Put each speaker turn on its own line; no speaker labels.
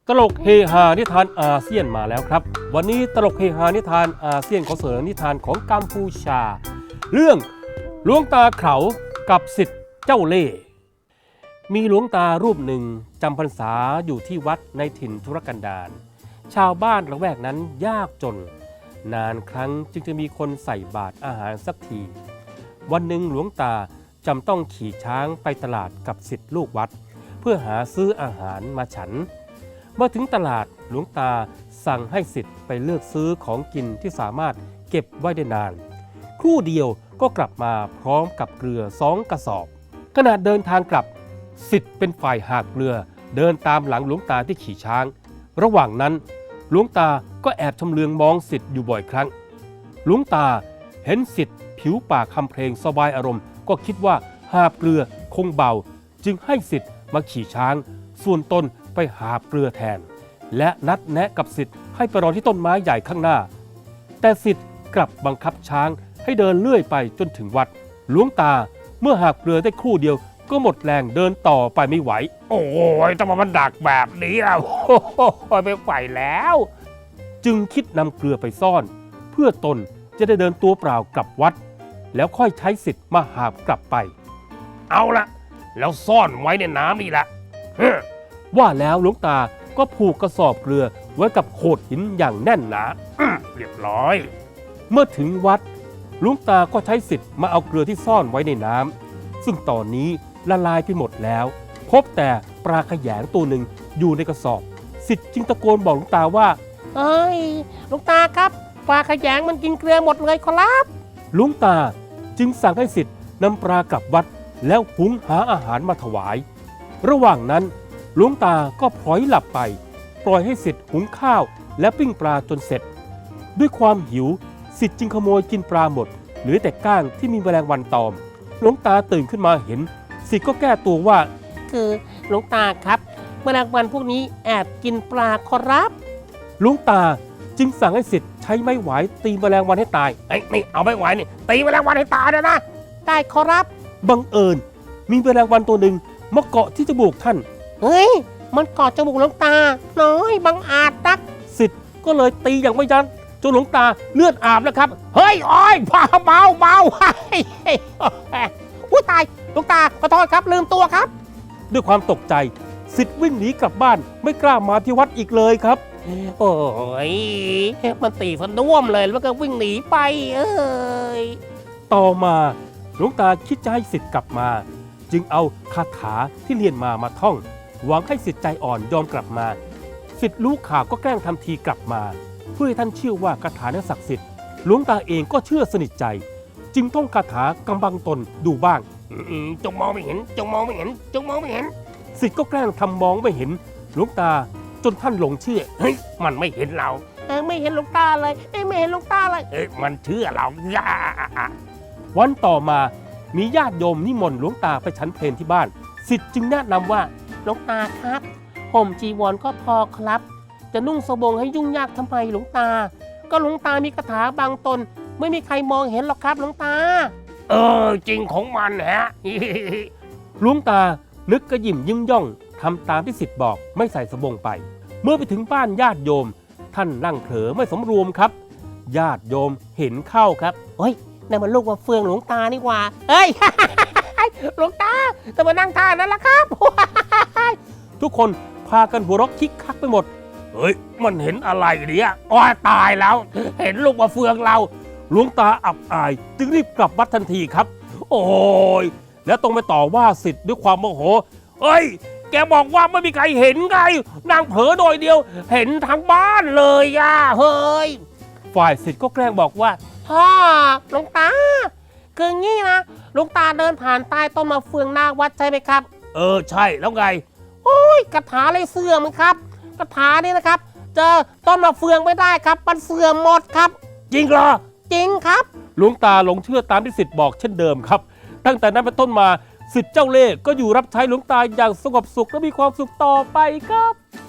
ตลกเฮฮานิทานอาเซียนมาแล้วครับวันนี้ตลกเฮฮานิทานอาเซียนขอเสนอนิทานของกัมพูชาเรื่องหลวงตาเขากับศิษย์เจ้าเล่ห์มีหลวงตารูปหนึ่งจำพรรษาอยู่ที่วัดในถิ่นทุรกันดารชาวบ้านละแวกนั้นยากจนนานครั้งจึงจะมีคนใส่บาตรอาหารสักทีวันหนึ่งหลวงตาจำต้องขี่ช้างไปตลาดกับศิษย์ลูกวัดเพื่อหาซื้ออาหารมาฉันเมื่อถึงตลาดหลวงตาสั่งให้ศิษย์ไปเลือกซื้อของกินที่สามารถเก็บไว้ได้นานครู่เดียวก็กลับมาพร้อมกับเกลือ2 กระสอบขณะเดินทางกลับศิษย์เป็นฝ่ายหากเกลือเดินตามหลังหลวงตาที่ขี่ช้างระหว่างนั้นหลวงตาก็แอบชำเลืองมองศิษย์อยู่บ่อยครั้งหลวงตาเห็นศิษย์ผิวปากคำเพลงสบายอารมณ์ก็คิดว่าหาบเกลือคงเบาจึงให้ศิษย์มาขี่ช้างส่วนตนไปหาบเกลือแทนและนัดแนะกับศิษย์ให้ไปรอที่ต้นไม้ใหญ่ข้างหน้าแต่ศิษย์กลับบังคับช้างให้เดินเลื่อยไปจนถึงวัดหลวงตาเมื่อหาบเกลือได้ครู่เดียวก็หมดแรงเดินต่อไปไม่ไหวโอ้ยต้องมาดักแบบนี้อ่ะโอ้ยไม่ไหวแล้วจึงคิดนำเกลือไปซ่อนเพื่อตนจะได้เดินตัวเปล่ากลับวัดแล้วค่อยใช้ศิษย์มาหาบกลับไปเอาละแล้วซ่อนไว้ในน้ำนี่แหละว่าแล้วหลวงตาก็ผูกกระสอบเกลือไว้กับโขดหินอย่างแน่นหนาเรียบร้อยเมื่อถึงวัดหลวงตาก็ใช้ศิษย์มาเอาเกลือที่ซ่อนไว้ในน้ำซึ่งตอนนี้ละลายไปหมดแล้วพบแต่ปลาแขยงตัวหนึ่งอยู่ในกระสอบศิษย์จึงตะโกนบอกหลวงตาว่า
เอ้ยหลวงตาครับปลาแขยงมันกินเกลือหมดเลยครับ
หลวงตาจึงสั่งให้ศิษย์นำปลากลับวัดแล้วหุงหาอาหารมาถวายระหว่างนั้นหลวงตาก็พลอยหลับไปปล่อยให้ศิษย์หุงข้าวและปิ้งปลาจนเสร็จด้วยความหิวศิษย์จึงขโมยกินปลาหมดเหลือแต่ก้างที่มีแมลงวันตอมหลวงตาตื่นขึ้นมาเห็นศิษย์ก็แก้ตัวว่า
คือหลวงตาครับแมลงวันพวกนี้แอบกินปลาขอรับ
หลวงตาจึงสั่งให้ศิษย์ใช้ไม้หวายตีแมลงวันให้ตายนี่เอาไม้หวายนี่ตีแมลงวันให้ตายนะ
ได้ขอรับ
บังเอิญมีแมลงวันตัวหนึ่งมาเกาะที่จมูกท่าน
เฮ้ยมันเกาะจมูกหลวงตาน้อยบังอาจนัก
ศิษย์ก็เลยตีอย่างไม่ยั้งจนหลวงตาเลือดอาบแล้วครับเฮ้ยอ้อยเบา
อุ้ยตายหลวงตาขอโทษครับลืมตัวครับ
ด้วยความตกใจศิษย์วิ่งหนีกลับบ้านไม่กล้ามาที่วัดอีกเลยครับ
โอ้ยมันตีสะน่วมเลยแล้วก็วิ่งหนีไป
ต่อมาหลวงตาคิดจะให้ศิษย์กลับมาจึงเอาคาถาที่เรียนมาท่องหวังให้ศิษย์ใจอ่อนยอมกลับมาศิษย์รู้ข่าวก็แกล้งทำทีกลับมาเพื่อให้ท่านเชื่อว่าคาถานั้นศักดิ์สิทธิ์หลวงตาเองก็เชื่อสนิทใจจึงท่องคาถากำบังตนดูบ้าง
จงมองไม่เห็นจงมองไม่เห็นจงมองไม่เห็น
ศิษย์ก็แกล้งทำมองไม่เห็นหลวงตาจนท่านหลงเชื่อ
เฮ้ยมันไม่เห็นเราไม่เห็นหลวงตาเลยไม่เห็นหลวงตาเลย
มันเชื่อเราวันต่อมามีญาติโยมนิมนต์หลวงตาไปฉันเพลที่บ้านศิษย์จึงแนะนำว่า
หลวงตาครับห่มจีวรก็พอครับจะนุ่งสบงให้ยุ่งยากทำไมหลวงตาก็หลวงตามีคาถาบางตนไม่มีใครมองเห็นหรอกครับหลวงตา
จริงของมันฮะ หลวงตานึกกระยิ่มยิ้มย่องทำตามที่ศิษย์บอกไม่ใส่สบงไปเมื่อไปถึงบ้านญาติโยมท่านนั่งเผลอไม่สำรวมครับญาติโยมเห็นเข้าครับ
เฮ้ยนั่นมันลูกว่าเฟืองหลวงตานี่หว่าเฮ้ย หลวงตาจะมานั่งท่านั้นล่ะครับ
ทุกคนพากันหัวเราะคิกคักไปหมดเฮ้ยมันเห็นอะไรเนี่ยอ้อยตายแล้วเห็นลูกว่าเฟืองเราหลวงตาอับอายจึงรีบกลับวัดทันทีครับโอ้ยแล้วต้องไปต่อว่าศิษย์ด้วยความโมโหเฮ้ยแกบอกว่าไม่มีใครเห็นไงนางเผลอโดยเดียวเห็นทั้งบ้านเลยอ่ะเฮ้ยฝ่ายศิษย์ก็แกล้งบอกว่า
พ่อหลวงตาคืองี้นะหลวงตาเดินผ่านใต้ต้นมะเฟืองหน้าวัดใช่ไหมครับ
ใช่แล้วไง
โอ้ยคาถาเลยเสื่อมครับคาถานี่นะครับเจอต้นมะเฟืองไม่ได้ครับมันเสื่อมหมดครับ
จริงเหรอ
จริงครับ
หลวงตาหลงเชื่อตามที่ศิษย์บอกเช่นเดิมครับตั้งแต่นั้นเป็นต้นมาศิษย์เจ้าเล่ห์ก็อยู่รับใช้หลวงตาอย่างสงบสุขและมีความสุขต่อไปครับ